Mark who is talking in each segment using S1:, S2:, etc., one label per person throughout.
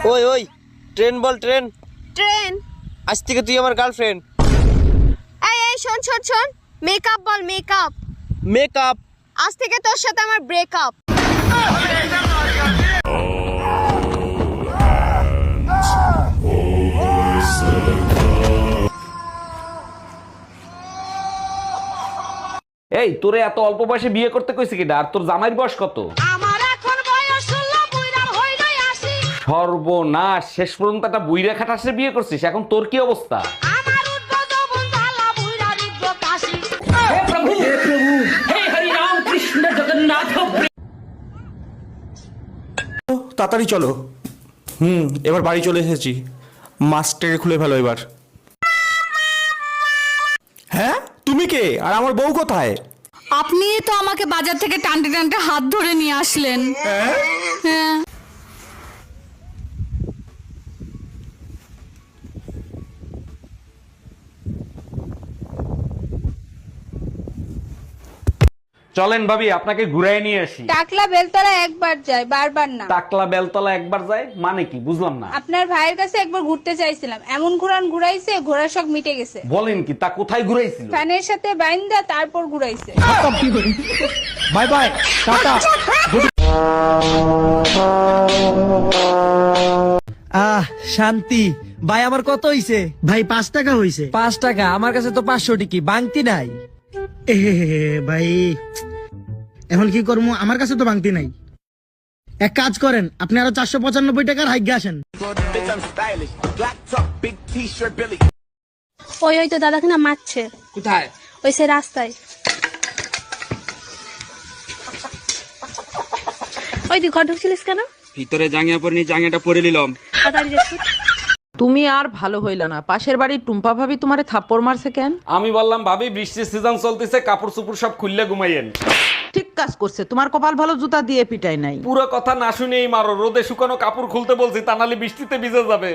S1: ওই ওই ট্রেন বল train.
S2: Train?
S1: আজ থেকে তুই আমার গার্লফ্রেন্ড।
S2: এই এই শোন শোন শোন, মেকআপ বল মেকআপ।
S1: মেকআপ?
S2: আজ থেকে তোর সাথে আমার ব্রেকআপ।
S3: এই তোরে এত অল্প বয়সে বিয়ে করতে কইছে কিনা? আর তোর জামাইয়ের বয়স কত?
S2: আমার এখন বয়স 16, বুইড়া হইলাই আসি।
S3: সর্বনাশ, শেষ পর্যন্ত একটা বুইড়া খাটাসে বিয়ে করছিস। এখন তোর কি অবস্থা?
S2: আমার উদ্ভব বন্ধালা বুইড়া রিদ্দ কাশি।
S4: তাড়াতাড়ি চলো। এবার বাড়ি চলে এসেছি। মাস্টারে খুলে ফেলো এবার। হ্যাঁ, তুমি কে? আর আমার বউ কোথায়?
S5: আপনি তো আমাকে বাজার থেকে টানতে টানতে হাত ধরে নিয়ে আসলেন। হ্যাঁ।
S3: চলেন ভাবি, আপনাকে ঘুরাই নিয়ে আসি।
S6: টাকলা বেলতলা একবার যায়, বারবার না।
S3: টাকলা বেলতলা একবার যায় মানে কি? বুঝলাম না।
S6: আপনার ভাইয়ের কাছে একবার ঘুরতে চাইছিলাম, এমন ঘুরাইছে, ঘোড়ার শখ মিটে গেছে।
S3: বলেন কি? তা কোথায় ঘুরাইছিল?
S6: ফ্যানের সাথে বাইন্দা তারপর ঘুরাইছে।
S4: By bye, tata.
S7: শান্তি ভাই, আমার কত হইছে
S8: ভাই 5 টাকা হইছে।
S7: 5 টাকা? আমার কাছে তো 500 টিকি বাংতি নাই।
S8: ভাই এখন কি করবো, আমার কাছে তো ভাঙতি নাই। এক কাজ করেন, আপনি আরো 495 টাকার হাইগে আসেন।
S6: ওই ওই তো দাদা কিনা মারছে।
S7: কোথায়?
S6: ওই সে রাস্তায়। ওই তুই ঘর ঢুকছিলিস কেন?
S7: ভিতরে জাঙ্গিয়া পরে নি, জাঙ্গিয়াটা পরে নিলাম।
S6: তাড়াতাড়ি যাচ্ছি।
S9: তুমি আর ভালো হইল না। পাশের বাড়ির টুম্পা ভাবি তোমারে থাপ্পড় মারছে কেন?
S3: আমি বললাম ভাবি বৃষ্টির সিজন চলতেছে, কাপড় চোপড় সব খুললে ঘুমাইয়েন।
S9: ঠিক কাজ করছে, তোমার কপাল ভালো জুতা দিয়ে পিটাই নাই।
S3: পুরো কথা না শুনেই মারো। রোদে শুকানো কাপড় খুলতে বলছি, তা নাহলে বৃষ্টিতে ভিজে যাবে।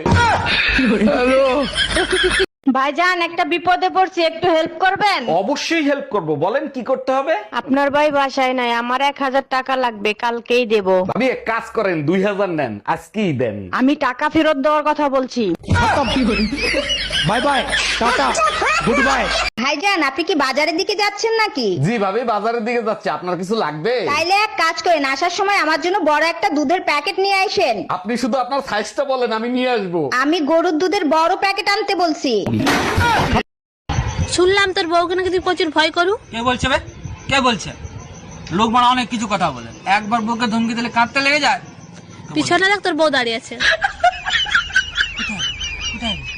S10: ভাইজান, একটা বিপদে পড়ছি, একটু হেল্প করবেন?
S3: অবশ্যই হেল্প করব, বলেন কি করতে হবে?
S10: আপনার ভাই বাসায় নাই, আমার 1000 টাকা লাগবে, কালকেই দেব।
S3: ভাবি এক কাজ করেন, 2000 নেন, আজকেই দেন।
S10: আমি টাকা ফেরত দেওয়ার কথা বলছি।
S4: বাই বাই, টাটা, গুড বাই।
S10: ভাইজান, আপনি কি বাজারের দিকে যাচ্ছেন নাকি?
S3: জি ভাবি, বাজারের দিকে যাচ্ছে। আপনার কিছু লাগবে?
S10: তাইলে এক কাজ করেন, আসার সময় আমার জন্য বড় একটা দুধের প্যাকেট নিয়ে আসেন।
S3: আপনি শুধু আপনার সাইজটা বলেন, আমি নিয়ে আসবো।
S10: আমি গরুর দুধের বড় প্যাকেট আনতে বলছি।
S6: শুনলাম তোর বউকে নাকি তুই প্রচুর ভয় করু।
S7: কে বলছে বে? কে বলছে? লোক মানে অনেক কিছু কথা বলে, একবার বউকে ধমকি দিলে কাঁদতে লেগে যায়।
S6: পিছনে দেখ তোর বউ দাঁড়িয়ে আছে।
S7: কোথায়?